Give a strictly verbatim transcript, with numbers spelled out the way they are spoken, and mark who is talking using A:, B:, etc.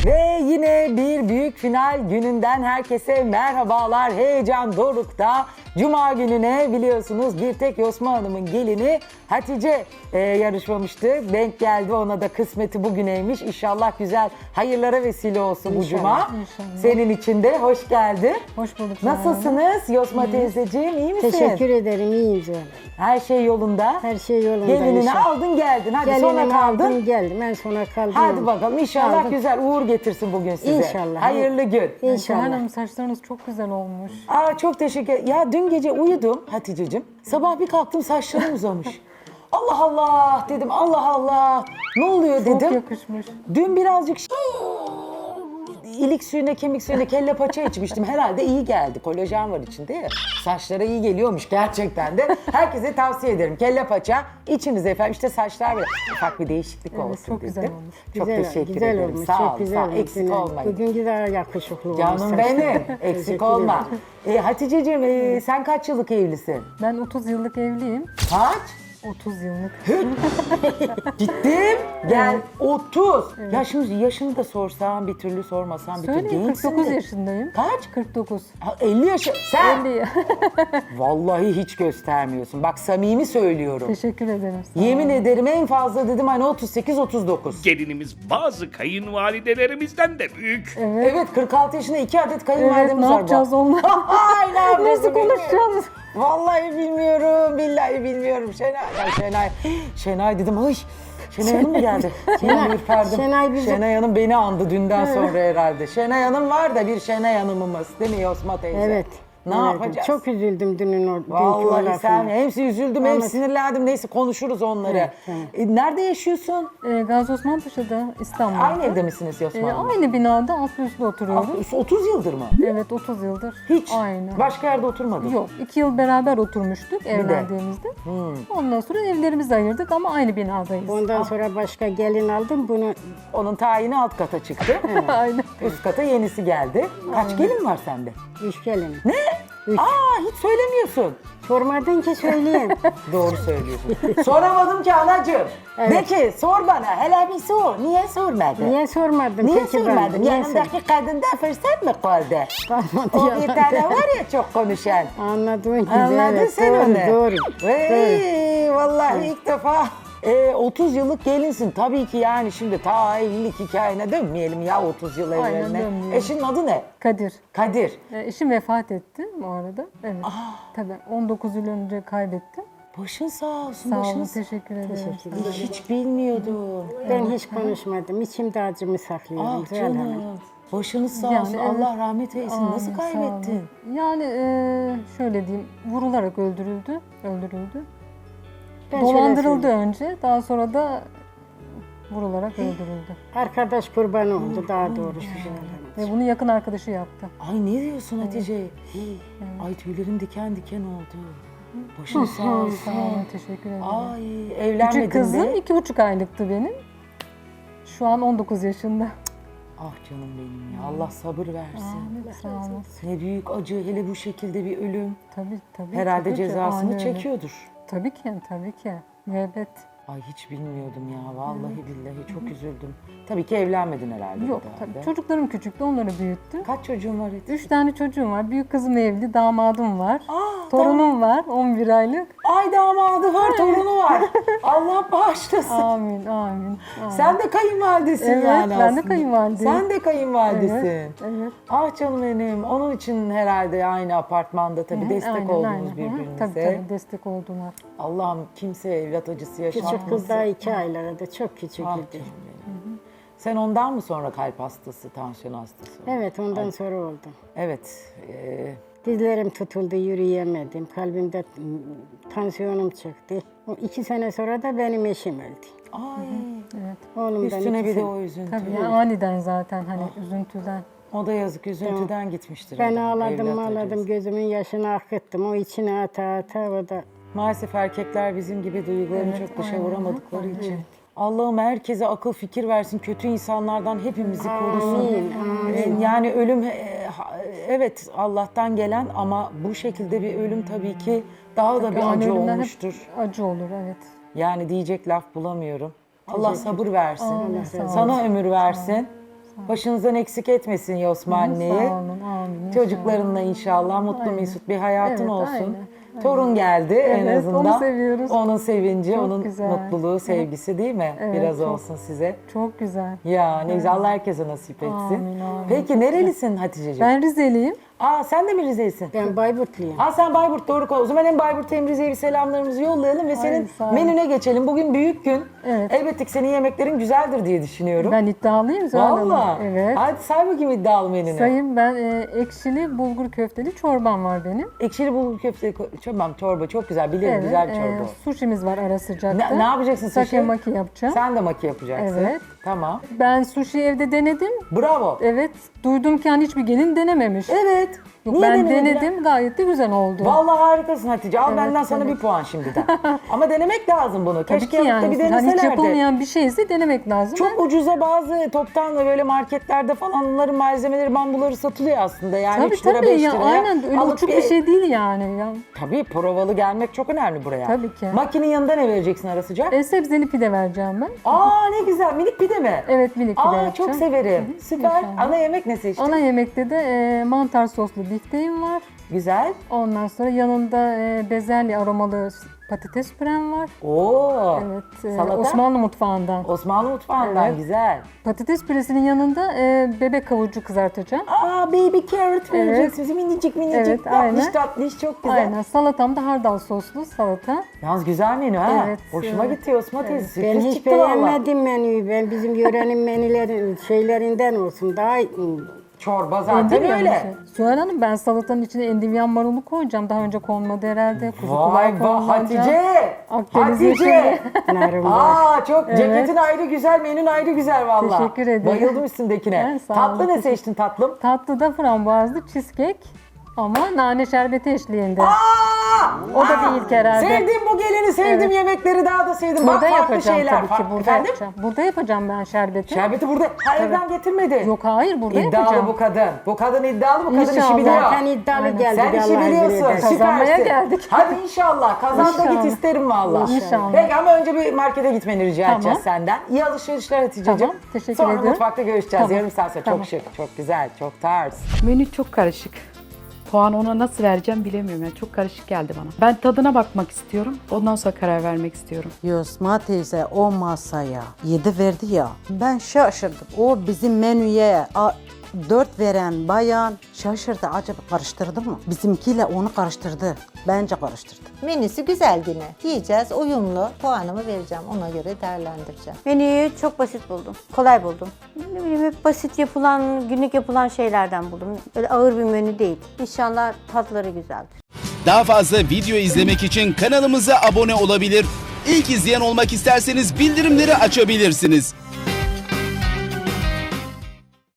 A: Ve yine bir büyük final gününden herkese merhabalar. Heyecan dorukta. Cuma gününe biliyorsunuz bir tek Yosma Hanım'ın gelini Hatice e, yarışmamıştı. Denk geldi, ona da kısmeti bugüneymiş. İnşallah güzel hayırlara vesile olsun bu cuma.
B: İnşallah.
A: Senin için de hoş geldin.
B: Hoş bulduk.
A: Nasılsınız Yosma teyzeciğim, iyi misin?
C: Teşekkür ederim, iyiyim canım.
A: Her şey yolunda.
C: Her şey yolunda.
A: Gelinini
C: inşallah.
A: aldın geldin. Hadi
C: Gelinimi
A: sonra kaldın.
C: aldım, geldim. En sona kaldım.
A: Hadi bakalım, inşallah
C: Aldım.
A: güzel uğur getirsin bugün size.
C: İnşallah.
A: Hayırlı gün.
C: İnşallah.
B: Hanım, saçlarınız çok güzel olmuş.
A: Aa, çok teşekkür. Ya dün gece uyudum Hatice'cim. Sabah bir kalktım, saçlarım uzamış. Allah Allah dedim, Allah Allah. Ne oluyor
B: Çok
A: dedim.
B: yakışmış.
A: Dün birazcık ş- ilik suyuna, kemik suyuna, kelle paça içmiştim. Herhalde iyi geldi. Kolajen var içinde ya. Saçlara iyi geliyormuş gerçekten de. Herkese tavsiye ederim. Kelle paça içinize efendim. İşte saçlar böyle ufak bir değişiklik
B: Evet,
A: olsun
B: çok
A: dedim.
B: güzel olmuş.
A: Çok
C: Güzel,
A: teşekkür
C: güzel
A: ederim.
C: Olmuş,
A: Sağ
C: çok
A: ol,
C: güzel
A: sağ ol.
C: olmuş.
A: Eksik
C: Yine.
A: olmayın.
C: Bugün daha yakışıklı olmuş.
A: Canım
C: saçlar.
A: benim. Eksik
C: Teşekkür
A: olma.
C: ederim.
A: E, Hatice'ciğim e, sen kaç yıllık evlisin?
B: Ben otuz yıllık evliyim.
A: Kaç?
B: otuz yıllık.
A: Gittim. Gel otuz. Ya şimdi yaşını da sorsam bir türlü, sormasam bir türlü.
B: Söyleyeyim,
A: Gençsin
B: kırk dokuz
A: de.
B: yaşındayım.
A: Kaç?
B: kırk dokuz.
A: Ha, elli yaşı. Sen
B: elli.
A: vallahi hiç göstermiyorsun. Bak samimi söylüyorum.
B: Teşekkür ederim. Sağ olun.
A: Yemin ederim en fazla dedim hani otuz sekiz otuz dokuz.
D: Gelinimiz bazı kayınvalidelerimizden de büyük.
A: Evet, kırk altı yaşında iki adet
B: Evet,
A: kayınvalidemiz
B: ne
A: var.
B: yapacağız
A: bu.
B: onunla?
A: Ay, ne yapacağız
B: Nasıl
A: bilmiyorum.
B: konuşacağız?
A: Vallahi bilmiyorum, billahi bilmiyorum. Şenay, ya Şenay, Şenay dedim, ay Şenay Hanım mı geldi?
C: Şenay,
A: Ben ürperdim.
C: Şenay bizi-
A: Şenay Hanım beni andı dünden sonra herhalde. Şenay Hanım var da bir Şenay Hanımımız değil mi Yosma teyze?
C: Evet.
A: Ne
C: evet.
A: yapacağız?
C: Çok üzüldüm dünün o, dünkü o
A: Vallahi
C: lafına.
A: sen hepsi üzüldüm, hem
C: Ama-
A: sinirlendim. Neyse konuşuruz onları.
C: Evet, evet.
A: E, nerede yaşıyorsun?
B: Ee, Gazi Osman Paşa'da, İstanbul'da.
A: Aynı evde misiniz Yosma
B: Ee,
A: Hanım?
B: aynı binada altlı üstlü oturuyoruz.
A: Ah, otuz yıldır mı?
B: Evet, otuz yıldır.
A: Hiç.
B: Aynı.
A: Başka yerde oturmadın?
B: Yok, iki yıl beraber oturmuştuk evlendiğimizde.
A: Hmm.
B: Ondan sonra evlerimizi ayırdık ama aynı binadayız.
C: Ondan sonra başka gelin aldım. Bunu
A: Onun tayini alt kata çıktı.
B: Aynen.
A: Üst kata yenisi geldi. Kaç gelin var sende?
C: üç gelin.
A: Ne?
C: Üç.
A: Aa, hiç söylemiyorsun.
C: Sormadın ki söyleyeyim.
A: Doğru söylüyorsun. Soramadım ki anacığım. De
C: Evet.
A: ki sor bana. Hele bir sor. Niye sormadın?
C: Niye sormadın?
A: Niye
C: peki ben?
A: sormadın?
C: Niye
A: Yanındaki kadında fırsat mı kaldı?
C: Kalmadı
A: O
C: yalan
A: bir tane
C: değil.
A: var ya çok konuşan.
C: Anladın ki.
A: Anladın
C: evet,
A: sen
C: doğru,
A: onu.
C: Doğru.
A: Vey, vallahi ilk defa. E, otuz yıllık gelinsin. Tabii ki yani şimdi ta evlilik hikayene dönmeyelim ya otuz yıl
B: Aynen,
A: evveline.
B: dönmeyelim.
A: Eşinin adı ne?
B: Kadir.
A: Kadir.
B: Ee, eşim vefat etti bu arada. Evet. Tabii on dokuz yıl önce kaybettim.
A: Başın sağ olsun.
B: Sağ
A: başın
B: olun,
A: sağ-
B: teşekkür ederim.
C: Teşekkür
B: Sağ olun.
A: Hiç bilmiyordum.
C: Ben hiç konuşmadım. İçimde acımı saklıyorum.
A: Ah
C: Zuhal Hanım.
A: canım. Başınız sağ
B: Yani
A: olsun.
B: evet.
A: Allah rahmet eylesin.
B: Amin,
A: Nasıl
B: sağ
A: kaybettin?
B: olun. Yani e, şöyle diyeyim, vurularak öldürüldü, öldürüldü.
C: Ben şöyle
B: Dolandırıldı
C: söyleyeyim.
B: önce, daha sonra da vurularak öldürüldü.
C: Arkadaş kurbanı oldu daha doğrusu. Zuhal Hanım.
B: Ve bunu yakın arkadaşı yaptı.
A: Ay ne diyorsun Hatice? Hii, Ay tüylerim diken diken oldu. Başın sağ olsun.
B: Sağ olun, teşekkür ederim.
A: Ay evlenmedin
B: Küçük kızım
A: de.
B: iki buçuk aylıktı benim. Şu an on dokuz yaşında.
A: Ah canım benim ya. Allah sabır versin.
B: Sağ olun.
A: Ne büyük acı, hele bu şekilde bir ölüm.
B: Tabii tabii.
A: Herhalde
B: tabii ki,
A: cezasını
B: ani öyle.
A: çekiyordur.
B: Tabii ki, tabii ki. Müebbet.
A: Ay hiç bilmiyordum ya. Vallahi billahi çok üzüldüm. Tabii ki evlenmedin herhalde.
B: Yok
A: bir daha
B: tabii.
A: da.
B: Çocuklarım küçüktü, onları büyüttüm.
A: Kaç çocuğun var Hatice?
B: Üç tane çocuğum var. Büyük kızım evli, damadım var.
A: Aa,
B: Torunum var, on bir aylık.
A: Ay damadı var, torunu var. Allah bağışlasın.
B: Amin, amin. amin.
A: Sen de kayınvalidesin
B: Evet,
A: yani
B: ben de
A: aslında.
B: kayınvalideyim.
A: Sen de kayınvalidesin.
B: Evet, evet.
A: Ah canım benim. Onun için herhalde aynı apartmanda tabii destek
B: Aynen,
A: oldunuz
B: aynen. Hı hı,
A: birbirinize.
B: Tabii tabii, destek oldular.
A: Allah'ım kimse evlat acısı yaşatmasın.
C: Küçük kız daha iki aylarda çok küçük
A: Ah
C: idi.
A: canım benim. Sen ondan mı sonra kalp hastası, tansiyon hastası oldun?
C: Evet ondan sonra oldu.
A: Evet. e,
C: Dizlerim tutuldu, yürüyemedim. Kalbimde m, tansiyonum çıktı. O iki sene sonra da benim eşim öldü.
A: ay.
B: Evet.
C: Oğlumdan
A: Üstüne
C: iki
A: bir de
C: sene.
A: o üzüntü.
B: Tabii yani aniden zaten hani üzüntüden.
A: O da yazık, üzüntüden gitmiştir.
C: Ben
A: adam,
C: ağladım
A: evlat
C: ağladım,
A: acısı.
C: gözümün yaşını akıttım. O içine ata ata o da
A: Maalesef erkekler bizim gibi duygularını
B: Evet,
A: çok dışa
B: aynen.
A: vuramadıkları için. Allah'ım herkese akıl fikir versin, kötü insanlardan hepimizi korusun.
C: Amin, amin.
A: Ee, Yani ölüm e, ha- evet Allah'tan gelen ama bu şekilde bir ölüm tabii ki daha da bir
B: Yani
A: acı
B: ölümler hep
A: olmuştur.
B: acı olur, evet.
A: Yani diyecek laf bulamıyorum. Allah sabır versin.
B: Amin, sağ olun.
A: Sana ömür versin. Başınızdan eksik etmesin Yosma anneyi.
B: Sağ olun, amin.
A: Çocuklarınla inşallah mutlu
B: Aynen.
A: mesut bir hayatın
B: Evet,
A: olsun.
B: aynen, aynen.
A: Torun geldi en
B: Evet,
A: azından.
B: onu seviyoruz.
A: Onun sevinci,
B: Çok
A: onun
B: güzel.
A: mutluluğu, sevgisi değil mi?
B: Evet,
A: Biraz
B: çok-
A: olsun size.
B: Çok güzel.
A: Ya ne güzel, Allah herkese nasip etsin.
B: Amin, amin.
A: Peki nerelisin Hatice'ciğim?
B: Ben Rizeliyim.
A: Aa sen de mi Rize'lisin?
C: Ben Bayburtluyum.
A: Aa sen Bayburt, doğru. O zaman hem Bayburt hem Rize'ye bir selamlarımızı yollayalım ve senin
B: sağ ol.
A: menüne geçelim. Bugün büyük gün.
B: Evet.
A: Elbette ki senin yemeklerin güzeldir diye düşünüyorum.
B: Ben iddialıyım Zuhal Hanım.
A: Valla.
B: Evet.
A: Hadi say bakayım iddialı menünü.
B: Sayın ben e, ekşili bulgur köfteli çorbam var benim.
A: Ekşili bulgur köfte, tamam çorba çok güzel. Bilirim güzel bir
B: e,
A: çorba.
B: sushimiz var ara sıcakta.
A: Ne, ne yapacaksın sushi?
B: Sake maki yapacağım.
A: Sen de maki yapacaksın.
B: Evet.
A: Tamam.
B: Ben sushi evde denedim.
A: Bravo.
B: Evet. Duydum ki hani hiçbir gelin denememiş.
A: Evet.
B: Yok,
A: Niye
B: ben
A: denemediler?
B: denedim gayet de güzel oldu.
A: Vallahi harikasın Hatice. Al
B: Evet,
A: benden sana
B: evet.
A: bir puan şimdiden. Ama denemek lazım bunu.
B: Tabii
A: Keşke
B: ki
A: yapıp da
B: yani.
A: bir
B: Hani hiç
A: deneselerdi.
B: yapılmayan bir şeyse denemek lazım.
A: Çok ucuza bazı toptan ve böyle marketlerde falan onların malzemeleri, bambuları satılıyor aslında. Yani
B: Tabii
A: üç lira
B: tabii
A: beş
B: ya
A: liraya.
B: aynen öyle
A: alıp
B: uçuk bir şey değil yani. Ya.
A: Tabii provalı gelmek çok önemli buraya.
B: Tabii ki.
A: Makinin yanında ne vereceksin ara sıcak?
B: E, sebzeli pide vereceğim ben.
A: Aa ne güzel, minik pide mi?
B: Evet minik pide
A: Aa
B: yapacağım.
A: çok severim. Süper.
B: inşallah.
A: Ana yemek ne seçtin?
B: Ana yemekte de e, mantar soslu bifteğim var.
A: Güzel.
B: Ondan sonra yanında e, bezelye aromalı patates pürem var.
A: Oo.
B: Evet. e,
A: Salata?
B: Osmanlı mutfağından.
A: Osmanlı mutfağından
B: Evet.
A: güzel.
B: Patates püresinin yanında e, bebek havucu kızartacağım.
A: Aa baby carrot vereceksiniz. Minicik minicik.
B: Evet,
A: tatlış
B: aynen.
A: tatlış çok güzel.
B: Aynen. Salatam da hardal soslu salata.
A: Yalnız güzel menü ha.
B: Evet,
A: Hoşuma
B: evet.
A: gitti Osman teyze.
C: Ben
A: Sürpriz
C: hiç
A: çıktı valla.
C: beğenmedim menüyü. Ben bizim yörenin menülerin şeylerinden olsun. Daha
A: Çorba zaten
B: Endivyan
A: öyle.
B: mı? Süheyl Hanım ben salatanın içine endivyan marulu koyacağım. Daha önce konmadı herhalde. Kuzu
A: Vay
B: kulağı
A: be
B: konulacak.
A: Hatice.
B: Akdeniz
A: Hatice.
B: yeşili.
C: narım var.
A: Aa çok ceketin ayrı güzel, menün ayrı güzel valla.
B: Teşekkür ederim.
A: Bayıldım üstündekine.
B: Evet, sağ
A: Tatlı
B: olun,
A: ne
B: teşekkür-
A: seçtin tatlım?
B: Tatlıda frambuazlı cheesecake ama nane şerbeti eşliğinde.
A: Aa!
B: O da
A: Aa!
B: değil herhalde.
A: Sevdim bu geleni, sevdim
B: Evet.
A: yemekleri daha da sevdim. Bak
B: Burada
A: farklı
B: yapacağım
A: şeyler.
B: tabii ki.
A: Farklı-
B: Burada
A: Efendim?
B: yapacağım. Burada yapacağım ben şerbeti.
A: Şerbeti burada. Ha evden getirmedi.
B: Yok hayır burada
A: İddialı
B: yapacağım.
A: bu kadın. Bu kadın iddialı, bu kadın işi
B: İnşallah.
A: biliyor.
C: Zaten iddialı
B: Aynen.
C: geldi.
A: Sen işi
C: Allah
A: biliyorsun.
C: izniyle.
B: Kazanmaya
A: Süpersin.
B: geldik.
A: Hadi inşallah. Kazan da git
B: İnşallah.
A: isterim valla.
B: İnşallah.
A: Peki ama önce bir markete gitmeni rica
B: Tamam.
A: edeceğiz senden. İyi alışverişler Hatice'ciğim.
B: Tamam, teşekkür
A: Sonra
B: ediyorum.
A: mutfakta görüşeceğiz.
B: Tamam.
A: Yarım saat sonra.
B: Tamam.
A: Çok şık, çok güzel, çok tarz.
E: Menü çok karışık. Puanı ona nasıl vereceğim bilemiyorum. Yani çok karışık geldi bana. Ben tadına bakmak istiyorum. Ondan sonra karar vermek istiyorum.
F: Yosma teyze o masaya yedi verdi ya, ben şaşırdım. O bizim menüye a, dört veren bayan şaşırdı. Acaba karıştırdı mı? Bizimkiyle onu karıştırdı. Bence karıştırdı.
G: Menüsü güzel yine. Yiyeceğiz, uyumlu. Puanımı vereceğim. Ona göre değerlendireceğim.
H: Menüyü çok basit buldum. Kolay buldum. Ne bileyim hep basit yapılan, günlük yapılan şeylerden buldum. Öyle ağır bir menü değil. İnşallah tatları güzeldir.
I: Daha fazla video izlemek için kanalımıza abone olabilir. İlk izleyen olmak isterseniz bildirimleri açabilirsiniz.